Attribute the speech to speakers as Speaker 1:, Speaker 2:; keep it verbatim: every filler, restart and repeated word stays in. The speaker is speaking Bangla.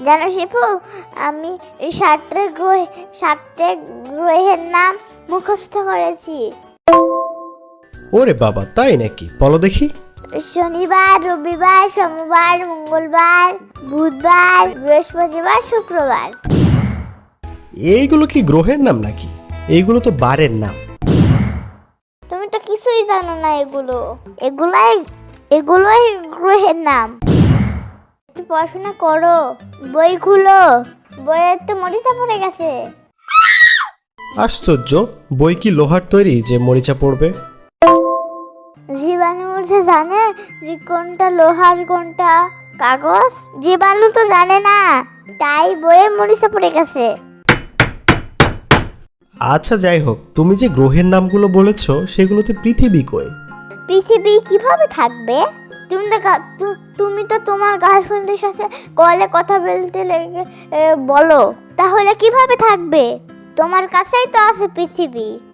Speaker 1: জানো শিপু, আমি এই সাতটা গ্রহ সাতটা গ্রহের নাম মুখস্থ করেছি।
Speaker 2: ওরে বাবা, তাই নাকি? বলো দেখি।
Speaker 1: শনিবার, রবিবার, সোমবার, মঙ্গলবার, বুধবার, বৃহস্পতিবার, শুক্রবার।
Speaker 2: এইগুলো কি গ্রহের নাম নাকি? এইগুলো তো বারের নাম।
Speaker 1: তুমি তো কিছুই জানো না। এগুলো এগুলাই এগুলোই গ্রহের নাম। একটু পড়াশোনা করো, বই খুলো। বইয়ের তো মরিচা পড়ে গেছে।
Speaker 2: আশ্চর্য, বই কি লোহার তৈরি যে মরিচা পড়বে?
Speaker 1: জীবাণু যে জানে যে কোনটা লোহার কোনটা কাগজ? জীবাণু তো জানে না, তাই বইয়ে মরিচা পড়ে গেছে।
Speaker 2: আচ্ছা যাই হোক, তুমি যে গ্রহের নামগুলো বলেছো সেগুলোতে পৃথিবী কই?
Speaker 1: পৃথিবী কিভাবে থাকবে? তুমি তো গা- তু- তুমি তো তোমার গার্লফ্রেন্ডের সাথে কলে কথা বলতে লেগে এ, বলো, তাহলে কিভাবে থাকবে? তোমার কাছেই তো আছে পৃথিবী।